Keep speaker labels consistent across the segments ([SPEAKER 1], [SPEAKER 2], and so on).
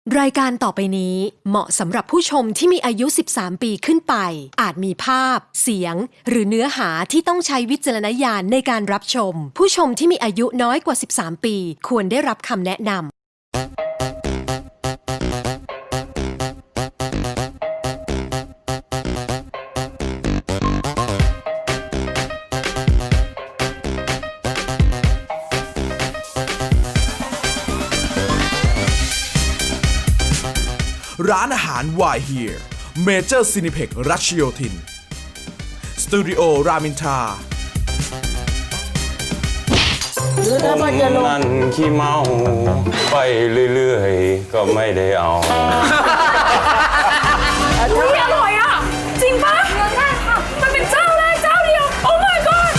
[SPEAKER 1] รายการต่อไปนี้เหมาะสำหรับผู้ชมที่มีอายุ 13 ปีขึ้นไป อาจมีภาพ เสียง หรือเนื้อหาที่ต้องใช้วิจารณญาณในการรับชม ผู้ชมที่มีอายุน้อยกว่า 13 ปีควรได้รับคำแนะนำ
[SPEAKER 2] ร้านอาหาร Why Here Major Cineplex รัชโยธินสตูดิโอรามินทรา
[SPEAKER 3] นั่นขี้เมาไปเรื่อยๆก็ไม่ได้เอา
[SPEAKER 4] อุ๊ยอร่อยอ่ะจริงปะมันเป็นเจ้าแรกเจ้าเดียว โอ้ my god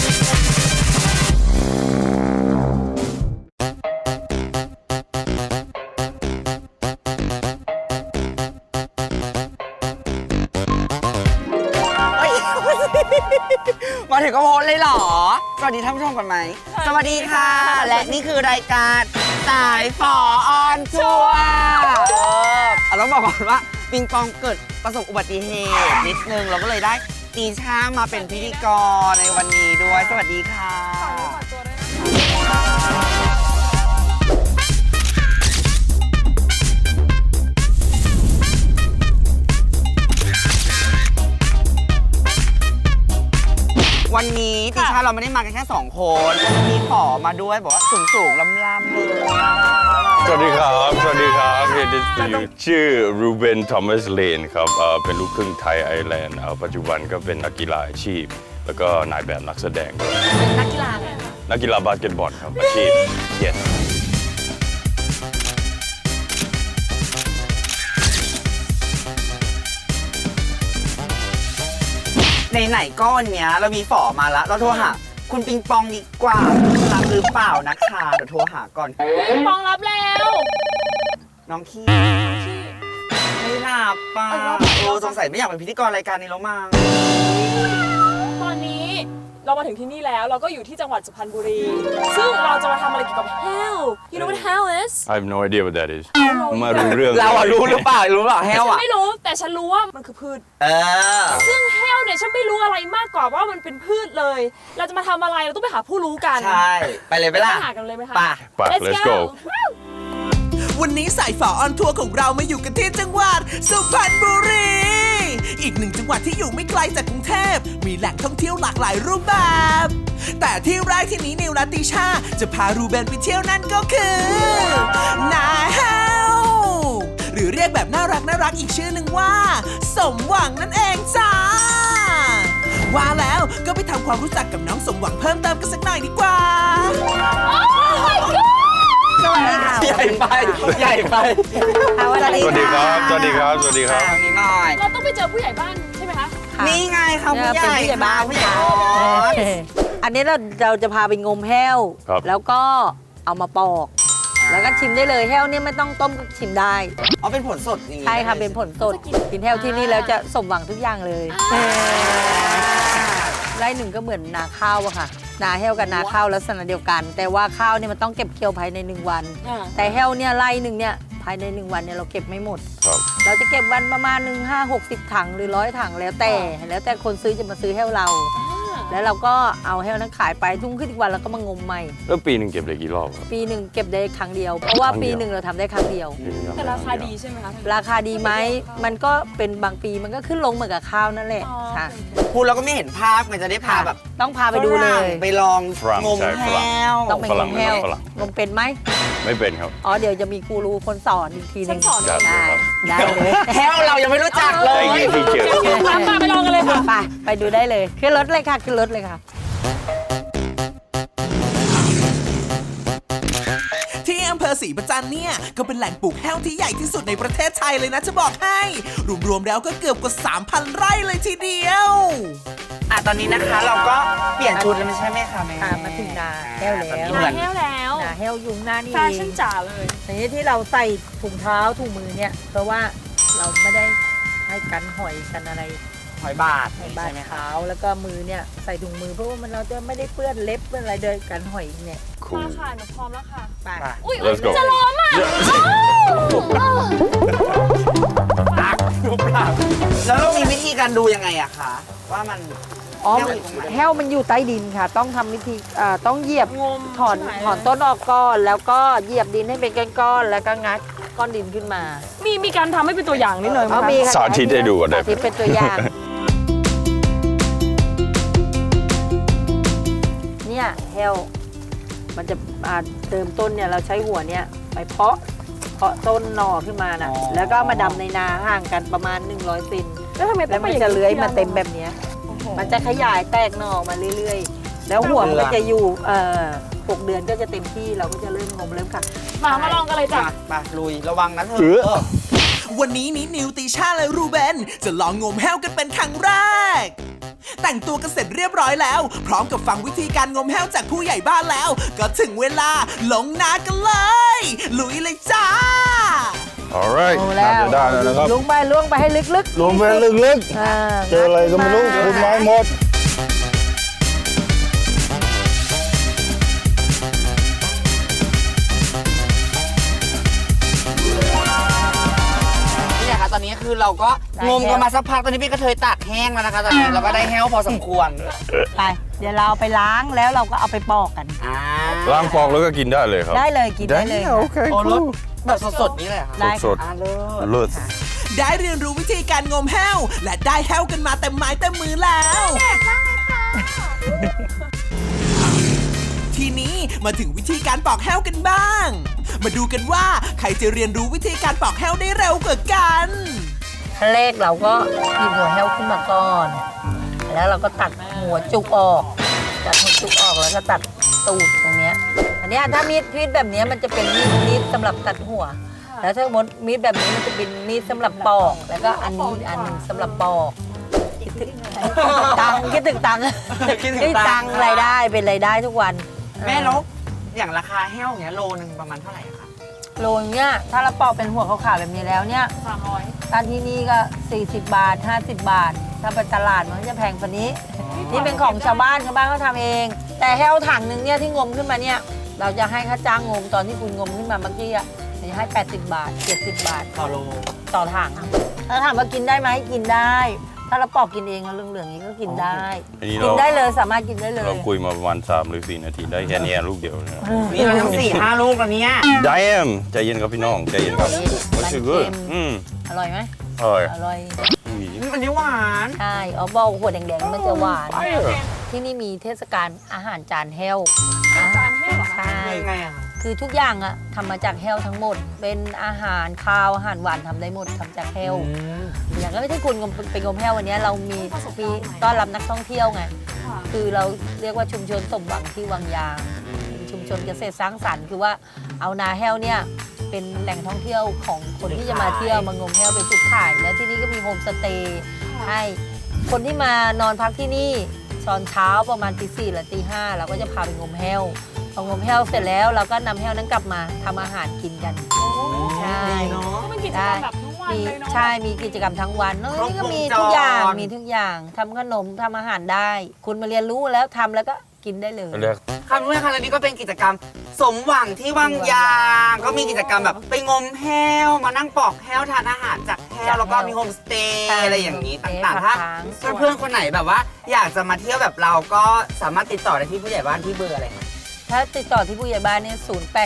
[SPEAKER 5] มาถึงก็โพสเลยเหรอ สวัสดีท่านผู้ชมก่อนไหม สวัสดีค่ะ และนี่คือรายการสายฝอออนทัวร์ต้องบอกก่อนว่าปิงปองเกิดประสบอุบัติเหตุนิดนึงเราก็เลยได้ตีช่ามาเป็นพิธีกรในวันนี้ด้วย สวัสดีค่ะวันนี้ดิฉันเราไม่ได้มากันแค่2 คนมีขอมาด้วยบอกว่าสูงๆล่ำๆเลย
[SPEAKER 3] สวัสดีครับสวัสดีครับเฮดิสยูชื่อรูเบนทอมัสเลนครับเป็นลูกครึ่งไทยไอร์แลนด์ปัจจุบันก็เป็นนักกีฬาอาชีพ แล้วก็นายแบบนักแสดงด้วย
[SPEAKER 4] เป็นนักกีฬาอะไรคะ
[SPEAKER 3] นักกีฬาบาสเกตบอลครับอาชีพyes
[SPEAKER 5] ไหนๆก็วันเนี้ยเรามีฝอมาแล้วเราโทรหาคุณปิงปองดีกว่ารับหรือเปล่านะคะเดี๋ยวโทรหาก่อน
[SPEAKER 4] ปิงปองรับแล้ว
[SPEAKER 5] น้องขี้ไม่หลับป่ะสงสัยไม่อยากเป็นพิธีกรรายการนี้แล้วมั้ง
[SPEAKER 4] ตอนนี้เรามาถึงที่นี่แล้วเราก็อยู่ที่จังหวัดสุพรรณบุรี ซึ่งเราจะมาทำอะไรเกี่ยวกับ hell you know what hell is
[SPEAKER 3] I have no idea what that is มารู้เรื่อง
[SPEAKER 5] เราอะรู้หรือเปล่าแฮว
[SPEAKER 4] ฉัน
[SPEAKER 5] อะ
[SPEAKER 4] ไม่รู้แต่ฉันรู้ว่ามันคือพืช ซึ่ง hell เนี่ยฉันไม่รู้อะไรมากกว่าว่ามันเป็นพืชเลย เราจะมาทำอะไรเราต้องไปหาผู้รู้กัน
[SPEAKER 5] ใช่ไปเลยไปล่ะ
[SPEAKER 4] ไปหากันเลยไหมคะ
[SPEAKER 3] ไป let's go
[SPEAKER 2] วันนี้สายฝอออนทัวร์ของเรามาอยู่กันที่จังหวัดสุพรรณบุรี อีกหนึ่งจังหวัดที่อยู่ไม่ไกลจากกรุงเทพมีแหล่งท่องเที่ยวหลากหลายรูปแบบ แต่ที่แรกที่นี้นิวและติชาจะพารูเบนไปเที่ยวนั่นก็คือนาเฮลหรือเรียกแบบน่ารักอีกชื่อหนึ่งว่าสมหวังนั่นเองจ้าว่าแล้วก็ไปทำความรู้จักกับน้องสมหวังเพิ่มเติมกันสักหน่อยดีกว่า
[SPEAKER 5] สวัสดีค่ะใหญ่ไปสวัสดีครับ
[SPEAKER 3] สวัสดีครับสวัสดีครับ
[SPEAKER 5] ทางนี้หน่อย
[SPEAKER 4] เราต้องไปเจอผู้ใหญ่บ้านใช่ไหมคะ
[SPEAKER 5] นี่ไงค่ะผู้ใหญ่บ้านผู้ใหญ่
[SPEAKER 6] อันนี้เราจะพาไปงมแห้ว แล้วก็เอามาปอก แล้วก็ชิมได้เลยแห้วเนี่ยไม่ต้องต้มก็ชิมได้
[SPEAKER 5] อ๋อเป็นผลสดอย่างนี้
[SPEAKER 6] ใช่ค่ะเป็นผลสดกินแห้วที่นี่แล้วจะสมหวังทุกอย่างเลยไร่หนึ่งก็เหมือนนาข้าวอะค่ะนาแห้วกับนาข้าวลักษณะเดียวกัน แต่ว่าข้าวเนี่ยมันต้องเก็บเกี่ยวภายใน1 วันแต่แห้วเนี่ยไร่หนึ่งเนี่ยภายใน1 วันเนี่ยเราเก็บไม่หมดเราจะเก็บวันประมาณ50-60 ถังหรือ100 ถังแล้วแต่คนซื้อจะมาซื้อแห้วเราแล้วเราก็เอาแห้วนั้นขายไปทุ่งขึ้นอีกวันแล้วก็มางมใหม่
[SPEAKER 3] แล้วปีหนึ่งเก็บได้กี่รอบครับ
[SPEAKER 6] ปีหนึ่งเก็บได้ครั้งเดียวเพราะว่าปีหนึ่งเราทำได้ครั้งเดียว
[SPEAKER 4] แต่ราคาดีใช่ไหมคะ
[SPEAKER 6] ราคาดีไหมมันก็เป็นบางปีมันก็ขึ้นลงเหมือนกับข้าวนั่นแหละค่ะ
[SPEAKER 5] พูดแล้วก็ไม่เห็นภาพมันจะได้พาแบบ
[SPEAKER 6] ต้องพาไปดูเลย
[SPEAKER 5] ไปลองงมแห้ว
[SPEAKER 6] ต้องไปงมแห้วงมเป็นไหม
[SPEAKER 3] ไม่เป็นครับ
[SPEAKER 6] อ๋อเดี๋ยวจะมีกูรูคนสอนอีกทีนึงได้เลย
[SPEAKER 5] แห้วเรายังไม่รู้จักเลย
[SPEAKER 4] ไปลองกันเลยค่ะ
[SPEAKER 6] ไปดูได้เลยขึ้นรถเลยค่ะขึ้นรถเลยค่ะ
[SPEAKER 2] ที่อำเภอศรีประจันเนี่ยก็เป็นแหล่งปลูกแห้วที่ใหญ่ที่สุดในประเทศไทยเลยนะจะบอกให้รวมๆแล้วก็เกือบกว่า 3,000 ไร่เลยทีเดียว
[SPEAKER 5] ตอนนี้นะคะเราก็เปลี่ยนชุดแล้วไม่ใช่ไหมคะแม่
[SPEAKER 6] มาถึงนาแห้วแล้ว
[SPEAKER 4] นาแห้วแล้ว
[SPEAKER 6] นาแห้วยุงหน้านี่
[SPEAKER 4] แฟชั่นจ๋าเลย
[SPEAKER 6] ทีนี้ที่เราใส่ถุงเท้าถุงมือเนี่ยเพราะว่าเราไม่ได้ให้กันหอยกันอะไร
[SPEAKER 5] หอยบาด
[SPEAKER 6] ใช่ไหมคะแล้วก็มือเนี่ยใส่ถุงมือเพราะว่ามันเราจะไม่ได้เปื้อนเล็บเปื้อนอะไรโดยกันหอยเนี่ย
[SPEAKER 4] มาค่ะหนูพร้อมแล้วค่ะ
[SPEAKER 6] ไป
[SPEAKER 4] อุ้ยจะล้มอ่ะ
[SPEAKER 5] การดูยังไงอะคะว่ามัน
[SPEAKER 6] อ๋อ
[SPEAKER 5] แห้วอยู่ตรงไหน
[SPEAKER 6] แห้วมันอยู่ใต้ดินค่ะ ต้องทำวิธีต้องเหยียบ
[SPEAKER 4] งม
[SPEAKER 6] ถอน
[SPEAKER 4] ใช่ไหม
[SPEAKER 6] ถอนต้นออกก่อน แล้วก็เหยียบดินให้เป็นก้อนๆแล้วก็งัดก้อนดินขึ้นมา
[SPEAKER 4] มีการทำให้เป็นตัวอย่างนิดหน่อยไหม
[SPEAKER 6] เอา
[SPEAKER 4] คะ
[SPEAKER 6] มีค่ะ
[SPEAKER 3] สาธิตให้ดูก่อนได้ไหม
[SPEAKER 6] สาธิตเป็นตัวอย่าง เนี่ยแห้วมันจะเติมต้นเนี่ยเราใช้หัวเนี่ยไปเพาะต้นหน่อขึ้นมานะแล้วก็เอามาดำในนาห่างกันประมาณ100 เซน
[SPEAKER 4] แล้วทำไมต้
[SPEAKER 6] แล้
[SPEAKER 4] อง
[SPEAKER 6] ว
[SPEAKER 4] ไป
[SPEAKER 6] มัน
[SPEAKER 4] อย่าง
[SPEAKER 6] จะเลื้อยมาเต็ม
[SPEAKER 4] อะ
[SPEAKER 6] แบบเนี้ย
[SPEAKER 4] โอ้โห
[SPEAKER 6] มันจะขยายแตกหน่อมาเรื่อยๆ แล้วหัวมันก็จะอยู่6 เดือนก็จะเต็มที่เราก็จะเริ่มงมเริ่มค่ะ
[SPEAKER 4] มาลองกันเลยจ้ะ
[SPEAKER 5] มาลุยระวังนะเธ
[SPEAKER 3] เอ
[SPEAKER 5] อ
[SPEAKER 3] อ
[SPEAKER 2] วันนี้นิวติชาและรูเบนจะลองงมแห้วกันเป็นครั้งแรก แต่งตัวกันเสร็จเรียบร้อยแล้ว พร้อมกับฟังวิธีการงมแห้วจากผู้ใหญ่บ้านแล้ว ก็ถึงเวลาลงนากันเลย ลุยเลยจ้า
[SPEAKER 3] alright
[SPEAKER 6] โอ้
[SPEAKER 3] น่า
[SPEAKER 6] แล้ว
[SPEAKER 3] จะได้แล้วนะครับ
[SPEAKER 6] ล้วงไปให้ลึก
[SPEAKER 3] ลงไปลึก
[SPEAKER 6] ๆ
[SPEAKER 3] ๆ เจออะไรก็ไม่รู้คุณไม้หมด
[SPEAKER 5] นี่นะคะตอนนี้คือเราก็งมกันมาสักพักตอนนี้พี่กระเทยตากแห้งแล้วนะคะตอนนี้เราก็ได้แห้วพอสมควร
[SPEAKER 6] ไป เดี๋ยวเราเอาไปล้างแล้วเราก็เอาไปปอกกัน
[SPEAKER 3] ล้างฟองแล้วก็กินได้เลยครับ
[SPEAKER 6] ได้เลยกินได้เลย
[SPEAKER 3] โอเค
[SPEAKER 5] โอ้ร
[SPEAKER 3] cool
[SPEAKER 5] สแบบสดๆนี่เลยเหรอค่ะ
[SPEAKER 6] ได้
[SPEAKER 3] ส
[SPEAKER 6] ค่ะ
[SPEAKER 3] ด
[SPEAKER 5] เลิศ
[SPEAKER 3] ๆเลิศ
[SPEAKER 2] ได้เรียนรู้วิธีการงมแห้ว และได้แห้วกันมาเต็มไม้เต็มมือแล้ว ทีนี้มาถึงวิธีการปอกแห้วกันบ้าง มาดูกันว่าใครจะเรียนรู้วิธีการปอกแห้วได้เร็วกว่ากัน
[SPEAKER 6] ขั้นแรกเราก็หยิบหัวแห้วขึ้นมาก่อน แล้วเราก็ตัดหัวจุกออก ตัดหัวจุกออกแล้วก็ตัดตูดตรงเนี้ย อันเนี้ยถ้ามีดแบบเนี้ยมันจะเป็นมีดสำหรับตัดหัว แล้วถ้าหมดมีดแบบนี้มันจะเป็นมีดสำหรับปอก แล้วก็อันนี้อันหนึงสำหรับปอกคิดถึงตังค์คิดถึงตังค์
[SPEAKER 5] คิดถึงตังค์
[SPEAKER 6] รายได้เป็นรายได้ทุกวัน
[SPEAKER 5] แม่ลบอย่างราคาแห้วอย่างเงี้ยโลนึงประมาณเท่าไหร่อะคะ
[SPEAKER 6] โลเนี่ยถ้าเราปอกเป็นหัวขาวๆแบบนี้แล้วเนี่ย
[SPEAKER 4] 300
[SPEAKER 6] ถ้าที่นี่ก็ 40 บาท 50 บาท ถ้าไปตลาดมันก็จะแพงกว่านี้ นี่เป็นของชาวบ้านเขาทำเอง แต่แห้วถังหนึงเนี่ยที่งมขึ้นมาเนี่ยเราจะให้ค่าจ้างงมตอนที่คุณงมขึ้นมาเมื่อกี้อ่ะจะให้ 80 บาท 70 บาท
[SPEAKER 5] ต่อโล
[SPEAKER 6] ต่อถังถ้าถามว่ากินได้ไหมกินได้ ถ้าเราปอกกินเองแล้วเหลืองๆนี้ก็กินได้
[SPEAKER 3] อันนี้
[SPEAKER 6] กินได้เลยสามารถกินได้เลย
[SPEAKER 3] เราคุยมาประมาณ3 หรือ 4 นาทีได้แค่นี้ลูกเดียวนะครับ
[SPEAKER 5] นี่มันทั้ง4-5 ลูกแล้วเนี่ย
[SPEAKER 3] ได้เอ็มใจเย็นครับพี่น้องใจเย็นครับ What's it good
[SPEAKER 6] อร่อยไหม
[SPEAKER 3] อร่อย
[SPEAKER 6] อร่อย
[SPEAKER 5] อันนี้หวาน
[SPEAKER 6] ใช่อ๋อบอกหัวแดงๆมันจะหวาน ที่นี่มีเทศกาลอาหารจานแห้ว
[SPEAKER 4] จานแห้วเหรอคะ
[SPEAKER 6] ใช่
[SPEAKER 5] ยังไงอะ
[SPEAKER 6] คือทุกอย่างอะทำมาจากแห้วทั้งหมด เป็นอาหารคาวอาหารหวานทำได้หมดทำจากแห้ว อย่างก็ไม่ใช่คุณไปงมแห้ววันนี้เรามีต้อนรับนักท่องเที่ยวไง
[SPEAKER 4] ค่ะ
[SPEAKER 6] คือเราเรียกว่าชุมชนสมหวังที่วังยางเป็นชุมชนเกษตรสร้างสรรค์คือว่าเอานาแห้วเนี่ยเป็นแหล่งท่องเที่ยวของคนที่จะมาเที่ยวมางมแห้วเป็นจุดขาย และที่นี่ก็มีโฮมสเตย์ให้คนที่มานอนพักที่นี่ตอนเช้าประมาณตี4หรือตี5เราก็จะพาไปงมแห้วพองมแห้วเสร็จแล้วเราก็นำแห้วนั้นกลับมาทำอาหารกินกัน ใช่
[SPEAKER 5] ดีเนาะ
[SPEAKER 4] ก็เป็นกิจกรรมแบบทั้งวัน
[SPEAKER 6] มี
[SPEAKER 4] เลยเนาะ
[SPEAKER 6] ใช่ มีกิจกรรมทั้งวันเนอะ
[SPEAKER 5] ครบ
[SPEAKER 6] นี่ก็มี
[SPEAKER 5] วงจร
[SPEAKER 6] ทุกอย่าง มีทุกอย่างทำขนมทำอาหารได้ คุณมาเรียนรู้แล้วทำแล้วก็กินได้เลย
[SPEAKER 3] เรียก
[SPEAKER 5] คำนี้ค่ะแล้วนี่ก็เป็นกิจกรรมสมหวังที่วังยางก็มีกิจกรรมแบบไปงมแห้วมานั่งปอกแห้วทานอาหารจากแห้วแล้วก็มีโฮมสเตย์
[SPEAKER 6] ใช่
[SPEAKER 5] อะไรอย่างนี้ต่าง
[SPEAKER 6] โฮมสเตย์
[SPEAKER 5] ๆถ้า
[SPEAKER 6] พักค้าง
[SPEAKER 5] เพื่อนๆคนไหนแบบว่า อยากจะมาเที่ยวแบบเราก็สามารถติดต่อได้ที่ผู้ใหญ่บ้านที่เบอร์อะไรคะ
[SPEAKER 6] ถ้าติดต่อที่ผู้ใหญ่บ้านเนี่ย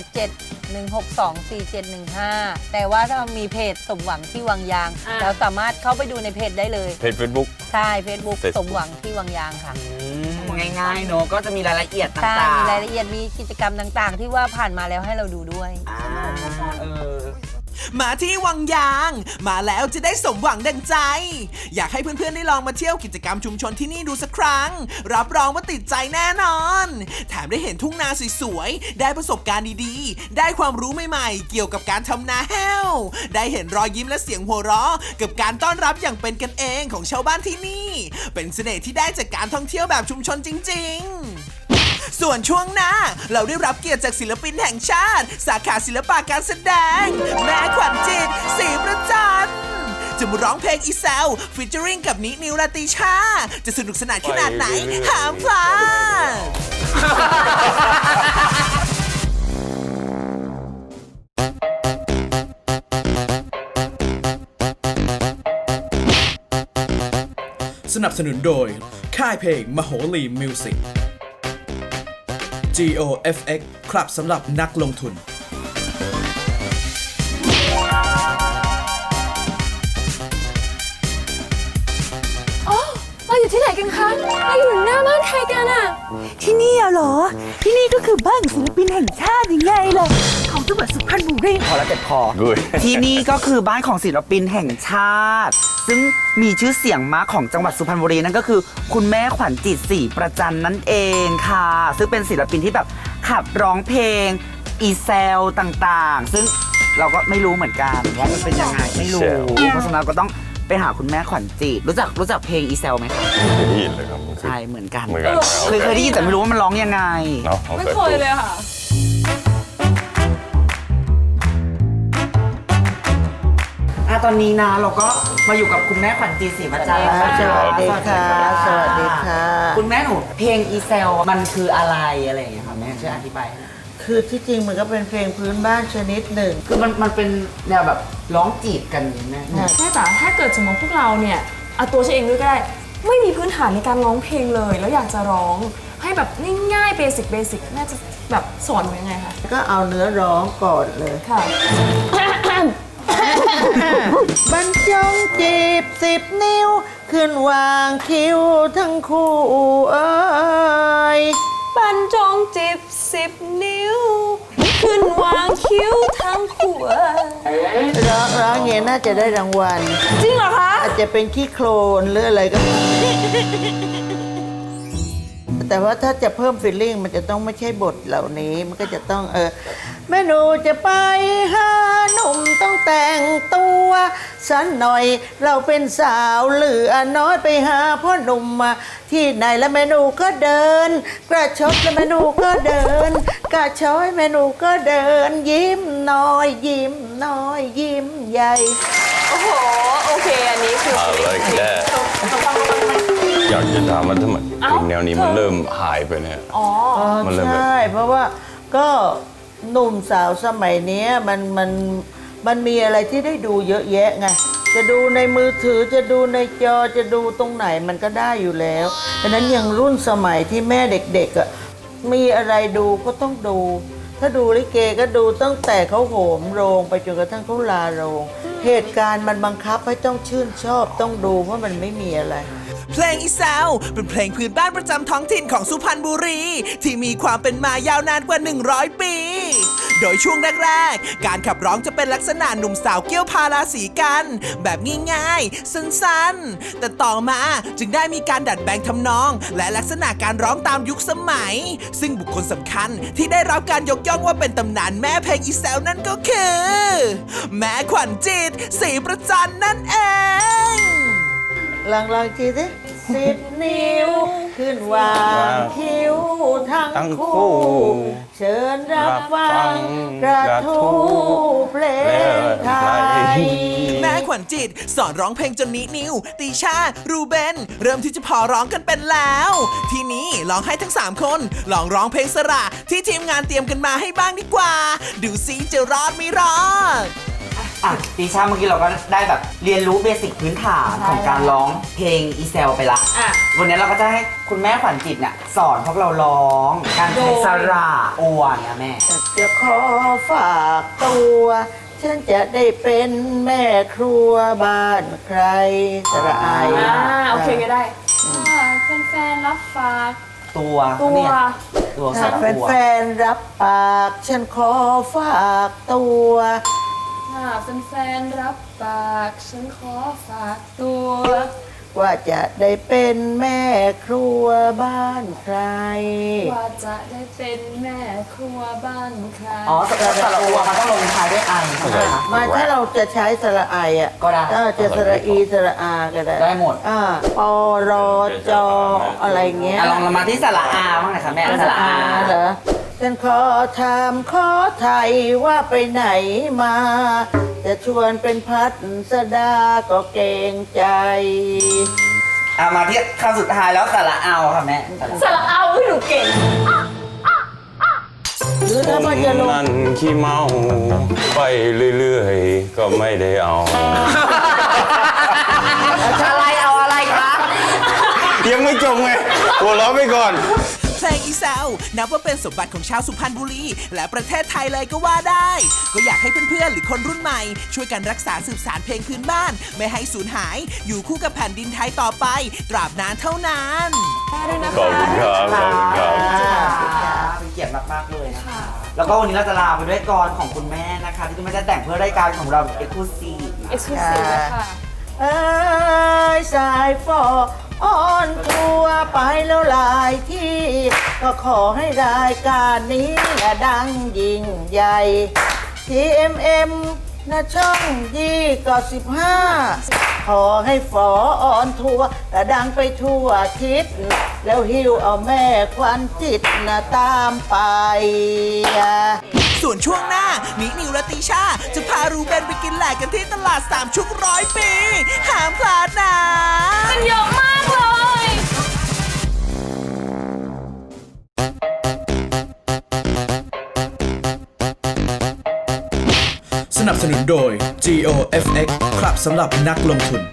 [SPEAKER 6] 087-162-4715 แต่ว่าถ้ามีเพจสมหวังที่วังยาง เราสามารถเข้าไปดูในเพจได้เลย
[SPEAKER 3] เพจ Facebook
[SPEAKER 6] ใช่ Facebook สมหวังที่วังยางค่ะ
[SPEAKER 5] ง่ายๆเนอะก็จะมีรายละเอียดต่า
[SPEAKER 6] ใช่
[SPEAKER 5] งๆ
[SPEAKER 6] มีรายละเอียด มีกิจกรรมต่างๆ ที่ว่าผ่านมาแล้วให้เราดูด้วย
[SPEAKER 5] อ่าเออ
[SPEAKER 2] มาที่วังยาง มาแล้วจะได้สมหวังดังใจ อยากให้เพื่อนๆได้ลองมาเที่ยวกิจกรรมชุมชนที่นี่ดูสักครั้ง รับรองว่าติดใจแน่นอน แถมได้เห็นทุ่งนาสวยๆ ได้ประสบการณ์ดีๆ ได้ความรู้ใหม่ๆ เกี่ยวกับการทำนาแห้ว ได้เห็นรอยยิ้มและเสียงหัวเราะกับการต้อนรับอย่างเป็นกันเองของชาวบ้านที่นี่ เป็นเสน่ห์ที่ได้จากการท่องเที่ยวแบบชุมชนจริงๆ ส่วนช่วงหน้าเราได้รับเกียรติจากศิลปินแห่งชาติ สาขาศิลปะการแสดง แม่ขวัญจิตศรีประจันจะมาร้องเพลงอีแซวฟีเจอริงกับนิวราตรีชา จะสนุกสนานขนาดไหนห้ามพลาด
[SPEAKER 6] ค
[SPEAKER 2] นับสนุนโดย ค่ายเพลงมโหรีมิวสิก GOFX ครับสำหรับนักลงทุน
[SPEAKER 4] เราอยู่ที่ไหนกันคะเราอยู่หน้าบ้านใครกันอะ
[SPEAKER 7] ที่นี่เหรอ ที่นี่ก็คือบ้านศิลปินแห่งชาติยังไงล่ะของจังหวัดสุพรรณบุรี
[SPEAKER 5] พอแล้วเจ็บคอ
[SPEAKER 3] ด้วย
[SPEAKER 5] ที่นี่ก็คือบ้านของศิลปินแห่งชาติ ซึ่งมีชื่อเสียงมากของจังหวัดสุพรรณบุรีนั่นก็คือคุณแม่ขวัญจิตศรีประจันนั่นเองค่ะ ซึ่งเป็นศิลปินที่แบบขับร้องเพลงอีเซลต่างๆ ซึ่งเราก็ไม่รู้เหมือนกันว่ามันเป็นยังไงไม่รู้ เพราะฉะนั้นก็ต้องไปหาคุณแม่ขวัญจิตรู้จักเพลงอีเซลไหมคะ
[SPEAKER 3] ไม่เคยได้ยินเลยครับ
[SPEAKER 5] ใช่เหมือนกัน
[SPEAKER 3] เหมือนกัน
[SPEAKER 5] เคยได้ยินแต่ไม่รู้ว่ามันร้องยังไง
[SPEAKER 3] เนาะ
[SPEAKER 4] ไม่เคยเลยค่ะ
[SPEAKER 5] ตอนนี้นะเราก็มาอยู่กับคุณแม่ขวัญจิตศรีประจัน
[SPEAKER 6] สวัสดีค่ะสวัสดีค่ะ
[SPEAKER 5] คุณแม่หนูเพลงอีเซลมันคืออะไรอะไรอย่างเงี้ยค่ะแม่ช่วยอธิบายให้หน่อย
[SPEAKER 6] คือที่จริงมันก็เป็นเพลงพื้นบ้านชนิดหนึ่ง
[SPEAKER 5] คือมันเป็นแนวแบบร้องจีบกันอย่างนี้แม่
[SPEAKER 4] แม่จ๋าถ้าเกิดสมมติพวกเราเนี่ยเอาตัวฉันเองด้วยก็ได้ไม่มีพื้นฐานในการร้องเพลงเลย แล้วอยากจะร้องให้แบบง่ายๆเบสิกแม่จะแบบสอนยังไงคะ
[SPEAKER 6] ก็เอาเนื้อร้องก่อนเลย
[SPEAKER 4] ค่ะ
[SPEAKER 6] บรรจงจีบ10 นิ้ว ขึ้นวางคิ้วทั้งคู่เอ้ย
[SPEAKER 4] บรรจงจิบ10 นิ้ว ขึ้นวางคิ้วทั้งขวด
[SPEAKER 6] ร้องเงี้ยน่าจะได้รางวัล
[SPEAKER 4] จริงเหรอคะ
[SPEAKER 6] อาจจะเป็นขี้โคลนหรืออะไรก็ แต่ว่าถ้าจะเพิ่มฟีลลิ่งมันจะต้องไม่ใช่บทเหล่านี้ มันก็จะต้องแม่หนูจะไปหาหนุ่มต้องแต่งตัวสันหน่อยเราเป็นสาวเหลือน้อยไปหาพ่อหนุ่มมาที่ไหนแล้วแม่หนูก็เดิน กระชบแล้วแม่หนูก็เดิน กระช้อยแม่หนูก็เดิน ยิ้มน้อยยิ้มน้อยยิ้มใหญ่
[SPEAKER 4] โอ้โห โอเค อันนี้คือ
[SPEAKER 3] อะไรแค่อยากจะถามว่าทำไมเพลงแนวนี้มันเริ่มหายไปเนี่ย
[SPEAKER 4] อ๋อ
[SPEAKER 3] มันเลยแบบ
[SPEAKER 6] ใช่เพราะว่าก็หนุ่มสาวสมัยเนี้ยมันมีอะไรที่ได้ดูเยอะแยะไงจะดูในมือถือจะดูในจอจะดูตรงไหนมันก็ได้อยู่แล้วดังนั้นอย่างรุ่นสมัยที่แม่เด็กๆอ่ะมีอะไรดูก็ต้องดู ถ้าดูลิเกก็ดูตั้งแต่เขาโหมโรงไปจนกระทั่งเขาลาโรงเหตุการณ์มันบังคับให้ต้องชื่นชอบต้องดูเพราะมันไม่มีอะไร
[SPEAKER 2] เพลงอีแซวเป็นเพลงพื้นบ้านประจำท้องถิ่นของสุพรรณบุรี ที่มีความเป็นมายาวนานกว่า 100 ปี โดยช่วงแรกๆ การขับร้องจะเป็นลักษณะหนุ่มสาวเกี่ยวพาราสีกัน แบบง่ายๆ สั้นๆ แต่ต่อมาจึงได้มีการดัดแปลงทำนอง และลักษณะการร้องตามยุคสมัย ซึ่งบุคคลสำคัญที่ได้รับการยกย่องว่าเป็นตำนานแม่เพลงอีแซวนั่นก็คือ แม่ขวัญจิตศรีประจันนั่นเอง
[SPEAKER 6] ลองทีสิ10 นิ้ว ขึ้นวางคิ้วทั้งคู่ เชิญรับฟังกระทู้เพลงไทย
[SPEAKER 2] แม่ขวัญจิตสอนร้องเพลงจนนิวตีชารูเบนเริ่มที่จะพอร้องกันเป็นแล้ว ทีนี้ลองให้ทั้ง 3 คนลองร้องเพลงสระที่ทีมงานเตรียมกันมาให้บ้างดีกว่า ดูซิจะรอดไม่รอด
[SPEAKER 5] ตีชาเมื่อกี้เราก็ได้แบบเรียนรู้เบสิกพื้นฐานของการร้องเพลงอีเซลไปละ
[SPEAKER 4] อ่ะ
[SPEAKER 5] วันนี้เราก็จะให้คุณแม่ขวัญจิตเนี่ยสอนพวกเราร้องการใช้สระอวนนะแม่
[SPEAKER 6] จะขอฝากตัว ฉันจะได้เป็นแม่ครัวบ้านใครสระอาย
[SPEAKER 4] โอเคก็ได้แฟนๆรับฝาก
[SPEAKER 5] ตัว
[SPEAKER 4] ตัว
[SPEAKER 5] เนี่ยตัวส
[SPEAKER 6] ถ้า
[SPEAKER 5] ระอว
[SPEAKER 6] แฟนๆรับปาก ฉันขอฝากตัว
[SPEAKER 4] ถ้าแฟนๆรับปากฉันขอฝากตัว
[SPEAKER 6] ว่าจะได้เป็นแม่ครัวบ้านใคร
[SPEAKER 4] ว่าจะได้เป็นแม่ครัวบ้านใคร
[SPEAKER 5] อ๋อสระอวมันต้องลงท้ายด้วยไอใช่ไหมคะ
[SPEAKER 6] มาถ้าเราจะใช้สระไออ่ะ
[SPEAKER 5] ก็ได้
[SPEAKER 6] จะสระอีสระอาก็ได้
[SPEAKER 5] ได้หมด
[SPEAKER 6] ปอรอจออะไรเงี้ย
[SPEAKER 5] ลองมาที่สระอาบ้างหน่อยค่ะแม่สระอา
[SPEAKER 6] เหรอฉันขอถามขอไทยว่าไปไหนมา จะชวนเป็นพัดสดาก็เกรงใจ
[SPEAKER 5] มาที่คำสุดท้ายแล้วสระเอาค่ะแม่
[SPEAKER 4] สระเอาให้หนูเก่ง
[SPEAKER 6] หรือถ้ามันจะลง
[SPEAKER 3] นั่นขี้เมาไปเรื่อยๆ ก็ไม่ได้เอา
[SPEAKER 5] อะไรเอาอะไรคะ
[SPEAKER 3] ยังไม่จบไงหัวเราะไปก่อน
[SPEAKER 2] เพลงอีแซวนับว่าเป็นสมบัติของชาวสุพรรณบุรี และประเทศไทยเลยก็ว่าได้ ก็อยากให้เพื่อนๆหรือคนรุ่นใหม่ ช่วยกันรักษาสืบสานเพลงพื้นบ้าน ไม่ให้สูญหาย อยู่คู่กับแผ่นดินไทยต่อไป ตราบนานเท่านาน
[SPEAKER 3] ขอบคุณครับ ขอบคุณครับ
[SPEAKER 5] เป็นเกียรติมากๆเลยนะคะ แล้วก็วันนี้เราจะลาไปด้วยกรของคุณแม่นะคะ ที่คุณแม่จะแต่งเพื่อรายการของเราเอ็กซ์คลูซีฟ
[SPEAKER 4] Exclusive เลยค่ะ
[SPEAKER 6] เอ้ยสายฟอออนทัวร์ไปแล้วหลายที่ ก็ขอให้รายการนี้ละดังยิ่งใหญ่ TMM นะช่อง25ขอให้ฟอออนทัวร์ละดังไปทั่วทิศ แล้วหิวเอาแม่ควันจิตนะตามไป
[SPEAKER 2] ส่วนช่วงหน้านิวและติชาจะพารูเบนไปกินแหลกกันที่ตลาดสามชุก100 ปี ห้ามพลาดนะ
[SPEAKER 4] มันเยอะมากเลย
[SPEAKER 8] สนับสนุนโดย GOFX ครับสำหรับนักลงทุน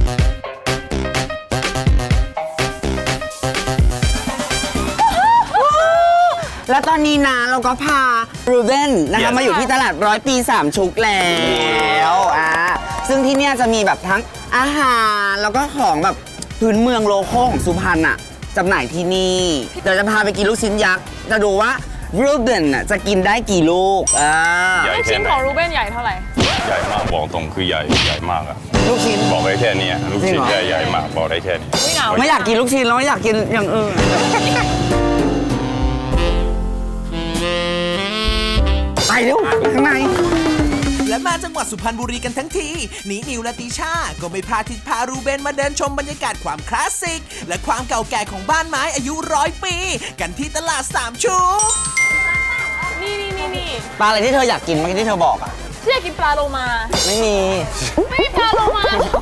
[SPEAKER 5] และตอนนี้นะเราก็พารูเบนนะคะ
[SPEAKER 3] Yes.
[SPEAKER 5] มาอยู่ที่ตลาด100 ปี3ชุกแล้วซึ่งที่เนี่ยจะมีแบบทั้งอาหารแล้วก็ของแบบพื้นเมืองโลโก้ของสุพรรณอะจำหน่ายที่นี่ เดี๋ยวจะพาไปกินลูกชิ้นยักษ์ จะดูว่ารูเบนจะกินได้กี่ลูก
[SPEAKER 3] ใหญ่
[SPEAKER 4] ลูก
[SPEAKER 3] แค่
[SPEAKER 4] ชิ้น
[SPEAKER 3] ไหน
[SPEAKER 4] ของรูเบนใหญ่เท่าไหร่
[SPEAKER 3] ใหญ่มากบอกตรงคือใหญ่มากอะ
[SPEAKER 5] ลูกชิ้น
[SPEAKER 3] บอกได้แค่เนี้ยลูกชิ้น
[SPEAKER 5] จริงเหรอ
[SPEAKER 3] ใหญ่มากบอกได้แค่นี้
[SPEAKER 4] ไม่เอา
[SPEAKER 5] ไม่อยากกินลูกชิ้นแล้วไม่อยากกินอย่างอื่น ไปเร็วข้างใน
[SPEAKER 2] และมาจังหวัดสุพรรณบุรีกันทั้งทีนิวและติชาก็ไม่พลาดที่พารูเบนมาเดินชมบรรยากาศความคลาสสิก และความเก่าแก่ของบ้านไม้อายุ100 ปี กันที่ตลาดสามชุก
[SPEAKER 4] นี่
[SPEAKER 5] ปลาอะไรที่เธออยากกินเมื่อกี้ที่เธอบอกอะ
[SPEAKER 4] ที่อยากกินปลาโลมา
[SPEAKER 5] ไม่มี
[SPEAKER 4] ไม่มีปลาโลมา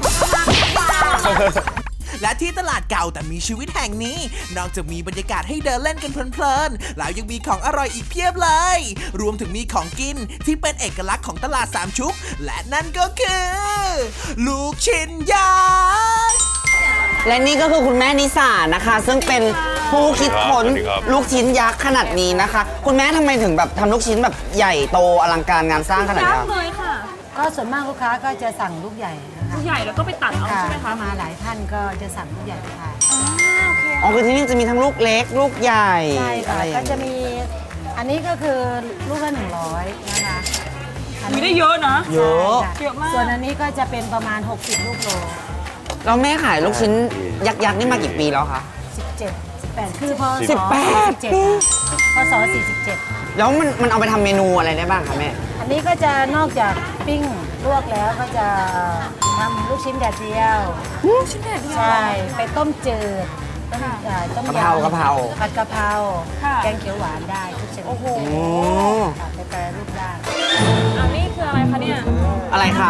[SPEAKER 2] และที่ตลาดเก่าแต่มีชีวิตแห่งนี้ นอกจากมีบรรยากาศให้เดินเล่นกันเพลินๆแล้วยังมีของอร่อยอีกเพียบเลย รวมถึงมีของกินที่เป็นเอกลักษณ์ของตลาดสามชุก และนั่นก็คือ ลูกชิ้นยักษ์
[SPEAKER 5] และนี่ก็คือคุณแม่นิสานะคะ ซึ่งเป็นผู้คิดค้น
[SPEAKER 3] สวัสดีครับ
[SPEAKER 5] ลูกชิ้นยักษ์ขนาดนี้นะคะ คุณแม่ทำไมถึงแบบทำลูกชิ้นแบบใหญ่โตอลังการงานสร้างขนาด
[SPEAKER 4] ยัก
[SPEAKER 5] นี้
[SPEAKER 4] ษ์เลยค่ะ
[SPEAKER 6] ก็ส่วนมากลูกค้าก็จะสั่งลูกใหญ่นะคะ
[SPEAKER 4] ลูกใหญ่แล้วก็ไปตัดเอาใช่ไหมคะ
[SPEAKER 6] ถ้ามาหลายท่านก็จะสั่งลูกใหญ่ไปทาน
[SPEAKER 4] โอเค
[SPEAKER 5] อ๋อคือที่นี่จะมีทั้งลูกเล็ก ลูกใหญ่
[SPEAKER 6] ใช่
[SPEAKER 5] อะ
[SPEAKER 6] ค่ะ
[SPEAKER 5] ไรอย่า
[SPEAKER 6] ก็
[SPEAKER 5] ง
[SPEAKER 6] จะ
[SPEAKER 5] นี้
[SPEAKER 6] มีอันนี้ก็คือลูกละ100นะคะอัน
[SPEAKER 4] มี
[SPEAKER 6] นี้
[SPEAKER 4] ได้เยอะนะ
[SPEAKER 5] เยอะ
[SPEAKER 6] ใช่ค่
[SPEAKER 4] เยอะมาก
[SPEAKER 6] ส่วนอันนี้ก็จะเป็นประมาณ 60 ลูกโล
[SPEAKER 5] แล้วแม่ขายลูกชิ้นยักษ์ๆนี่มากี่ปีแล้วคะ
[SPEAKER 6] 17 18 คือพศ
[SPEAKER 5] 18
[SPEAKER 6] 47พศ47
[SPEAKER 5] แล้วมันเอาไปทำเมนูอะไรได้บ้างคะแม่
[SPEAKER 6] อันนี้ก็จะนอกจากปิ้งลวกแล้วก็จะทำลูกชิ้นแดดเดียว
[SPEAKER 4] ชิ้นแดดเดียว
[SPEAKER 6] ใช่ไปต้มจืดต้มยำ
[SPEAKER 5] กะเพรา
[SPEAKER 6] ผัดกะเพรา
[SPEAKER 4] ค่ะ
[SPEAKER 6] แกงเขียวหวานได้ทุกชนิด
[SPEAKER 4] โอ้โห
[SPEAKER 5] โอ้
[SPEAKER 6] ค่ะไปแปรรูปได้
[SPEAKER 4] อันนี้คืออะไรคะเนี่ย
[SPEAKER 5] อะไรคะ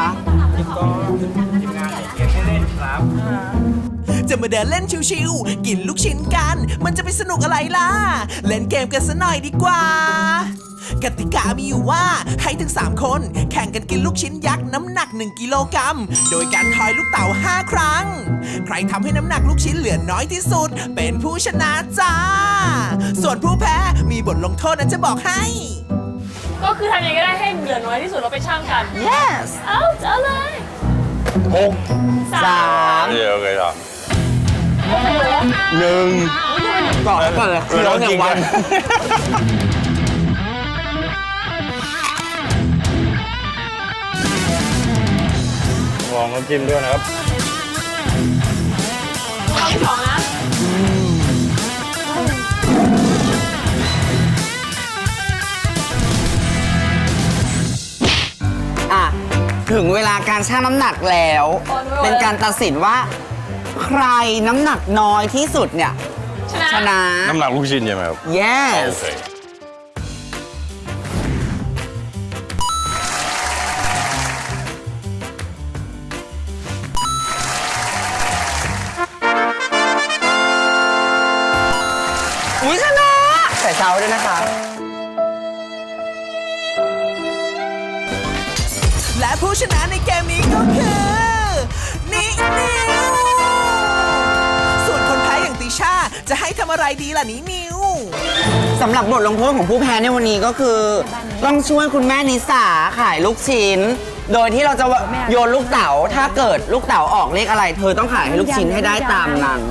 [SPEAKER 2] จะมาเดินเล่นชิวๆ กินลูกชิ้นกัน มันจะไปสนุกอะไรล่ะ เล่นเกมกันซะหน่อยดีกว่า กติกามีอยู่ว่าให้ถึง 3 คนแข่งกันกินลูกชิ้นยักษ์น้ำหนัก 1 กิโลกรัม โดยการทอยลูกเต๋า 5 ครั้ง ใครทำให้น้ำหนักลูกชิ้นเหลือน้อยที่สุด เป็นผู้ชนะจ้า ส่วนผู้แพ้มีบทลงโทษนะจะบอกให้
[SPEAKER 4] ก็คือทำยังไงก็ได้ให้เหลือน้อยที่สุดเราไปช่างกัน
[SPEAKER 5] yes
[SPEAKER 4] เอาจะเลย
[SPEAKER 3] 6
[SPEAKER 5] 3
[SPEAKER 3] เดี๋ยวเลยครับ1
[SPEAKER 5] ก่อนเลยคือร้องอย่างวัน
[SPEAKER 3] ลองน้ำจิ้มด้วยนะครับ
[SPEAKER 4] เราที่สองนะ
[SPEAKER 5] อ่ะ ถึงเวลาการชั่งน้ำหนักแล้ว เป็นการตัดสินว่า ใครน้ำหนักน้อยที่สุดเนี่ย ชนะ
[SPEAKER 3] น้ำหนักลูกชิ้นใช่ไหมครับ
[SPEAKER 5] yes
[SPEAKER 3] โอเค
[SPEAKER 5] อุ้ยชนะ ใส่เช้าด้วยนะคะ
[SPEAKER 2] และผู้ชนะในเกมนี้ก็คือนิวส่วนคนแพ้อย่างดีล่ะนี้นิว
[SPEAKER 5] สำหรับบทลงโทษของผู้แพ้ในวันนี้ก็คือ ต้องช่วยคุณแม่นิสาขายลูกชิ้น โดยที่เราจะโยนลูกเต๋าถ้าเกิดลูกเต๋าออกเลขอะไร เธอต้องขายให้ลูกชิ้นให้ได้ตามนั้น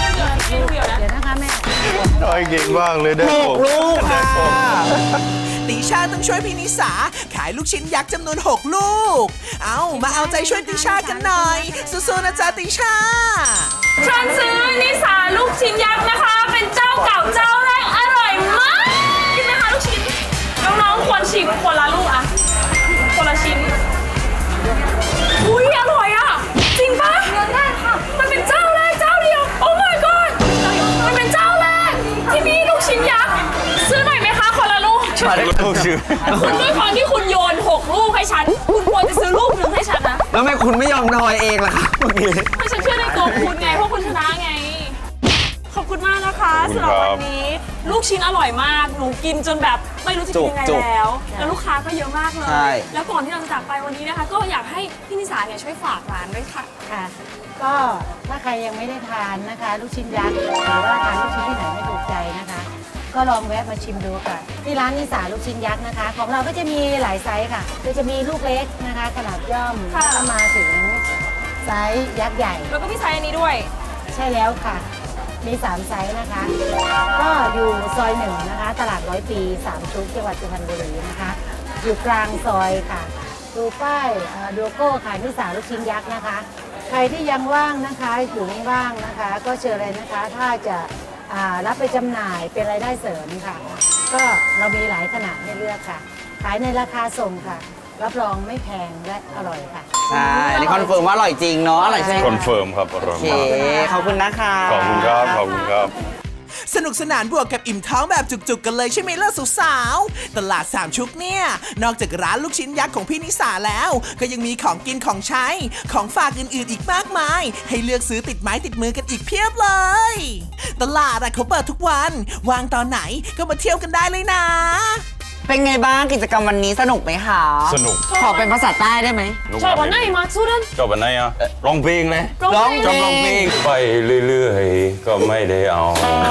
[SPEAKER 3] น้อยเก่งมากเลยได้
[SPEAKER 5] 6 ลูกค่ะ
[SPEAKER 2] ติชาต้องช่วยพี่นิสาขายลูกชิ้นยักษ์จำนวน 6 ลูก เอามาเอาใจช่วยติชากันหน่อย สู้ๆนะจ๊ะติชา
[SPEAKER 4] ฉันซื้อนิสาลูกชิ้นยักษ์นะคะ เป็นเจ้าเก่าเจ้าแรกอร่อยมากกินไหมคะลูกชิ้นน้องๆควรชิมคนละลูกอะคนละชิ้นอุ้ยอร่อยอะจริงปะได้ค่ะมันเป็นเจ้าแรกเจ้าเดียวโอ้ my god มันเป็นเจ้าแรกที่มีลูกชิ้นยักษ์ซื้อหน่อยไหมคะคนละลูก
[SPEAKER 3] ลูกชื่อ
[SPEAKER 4] คุณด้วยความที่คุณโยน6 ลูกให้ฉันคุณควรจะซื้อลูกหนึ่งให้ฉันนะ
[SPEAKER 5] แล้วทำไมคุณไม่ยอมทอยเองล่ะคะเมื่อกี้
[SPEAKER 4] เพราะฉันเชื่อในตัวคุณไงเพราะคุณชนะไง ขอบคุณมากนะคะสำหรับวันนี้ ลูกชิ้นอร่อยมากหนูกินจนแบบไม่รู้จะกินยังไงแล้วลูกค้าก็เยอะมากเลย แล้วก่อนที่เราจะจากไปวันนี้นะคะ ก็อยากให้พี่นิสาเนี่ยช่วยฝากร้านด้วยค่ะ
[SPEAKER 6] ค่ะ ก็ถ้าใครยังไม่ได้ทานนะคะ ลูกชิ้นยักษ์หรือว่าทานลูกชิ้นที่ไหนไม่ถูกใจนะคะ ก็ลองแวะมาชิมดูค่ะ ที่ร้านนิสาลูกชิ้นยักษ์นะคะ ของเราก็จะมีหลายไซส์ค่ะก็จะมีลูกเล็กนะคะ ขนาดย่อม
[SPEAKER 4] ค่ะ
[SPEAKER 6] แล้วก็มาถึงไซส์ยักษ์ใหญ่
[SPEAKER 4] แล้วก็พี่ไซส์อันนี้ด้วย
[SPEAKER 6] ใช่แล้วค่ะ มี 3 ไซส์นะคะ ก็อยู่ซอย1นะคะ ตลาด100 ปี 3 ชุกจังหวัดสุพรรณบุรีนะคะ อยู่กลางซอยค่ะ ดูป้ายดูโก้ขายนิสาลูกชิ้นยักษ์นะคะ ใครที่ยังว่างนะคะอยู่ไม่ว่างนะคะ ก็เชิญเลยนะคะ ถ้าจะรับไปจำหน่ายเป็นรายได้เสริมค่ะ ก็เรามีหลายขนาดให้เลือกค่ะ ขายในราคาส่งค่ะ รับรองไม่แพงและอร่อยค่ะ
[SPEAKER 5] ใช่อันนี้คอนเฟิร์มว่าอร่อยจริงเนาะอร่อยใช่ไหม
[SPEAKER 3] คอนเฟิร์มครับอร่อย
[SPEAKER 5] โอเค
[SPEAKER 3] มาก
[SPEAKER 5] ขอบคุณนะคะ
[SPEAKER 3] ขอบคุณครับ ขอบคุณครับ
[SPEAKER 2] สนุกสนานบวกกับอิ่มท้องแบบจุกๆกันเลยใช่ไหมล่ะสาวๆตลาด3ชุกเนี่ย นอกจากร้านลูกชิ้นยักษ์ของพี่นิสาแล้ว ก็ยังมีของกินของใช้ ของฝากอื่นๆอีกมากมาย ให้เลือกซื้อติดไม้ติดมือกันอีกเพียบเลย ตลาดเขาเปิดทุกวันว่างตอนไหนก็มาเที่ยวกันได้เลยนะ
[SPEAKER 5] เป็นไงบ้างกิจกรรมวันนี้สนุกไหมคะ
[SPEAKER 3] สนุก
[SPEAKER 5] ขอเป็นภาษาใต้ได้ไหม
[SPEAKER 4] ชอบวันไหนมาสู้นั้น
[SPEAKER 3] ชอบวันไหนอ่ะร้องเพลงเลย
[SPEAKER 4] ร้องเพลง
[SPEAKER 3] ชอบร้องเพลงไปเรื่อยๆ ก็ไม่ได้เอา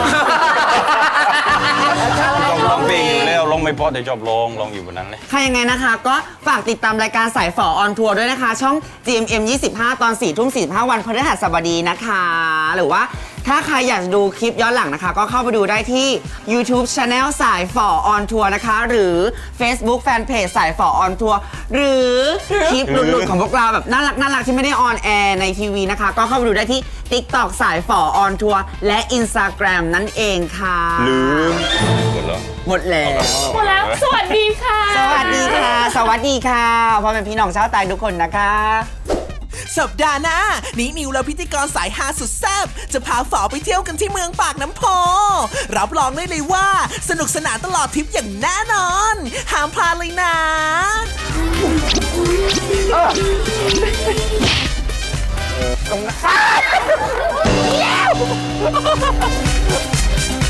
[SPEAKER 3] ชอบร้องเพลงอยู่แล้วร้องไม่เพราะแต่ชอบร้องอยู่บนนั้นเลย
[SPEAKER 5] ค่ะยังไงนะคะ ก็ฝากติดตามรายการสายฝอออนทัวร์ด้วยนะคะ ช่อง GMM 25 ตอน 4 ทุ่ม 45 วันพฤหัสบดีนะคะ หรือว่าถ้าใครอยากดูคลิปย้อนหลังนะคะ ก็เข้าไปดูได้ที่ YouTube Channel สายฝอออนทัวร์นะคะ หรือ Facebook Fanpage สายฝอออนทัวร์หรือคลิปหลุดๆของพวกเราแบบน่ารักที่ไม่ได้ออนแอร์ในทีวีนะคะ ก็เข้าไปดูได้ที่ TikTok สายฝอออนทัวร์และ Instagram นั่นเองค่ะ
[SPEAKER 3] ลืมหมดแล้ว
[SPEAKER 5] หมดแล้ว
[SPEAKER 4] หมดแล้ว สวัสดีค่ะ
[SPEAKER 5] สวัสดีค่ะ สวัสดีค่ะพ่อแม่พี่น้องชาวใต้ทุกคนนะคะ
[SPEAKER 2] สัปดาห์หน้านี้นิวและพิธีกรสายฮาสุดแซ่บจะพาฝอไปเที่ยวกันที่เมืองปากน้ำโพ รับรองได้เลยว่า สนุกสนานตลอดทริปอย่างแน่นอน ห้ามพลาดเลยนะ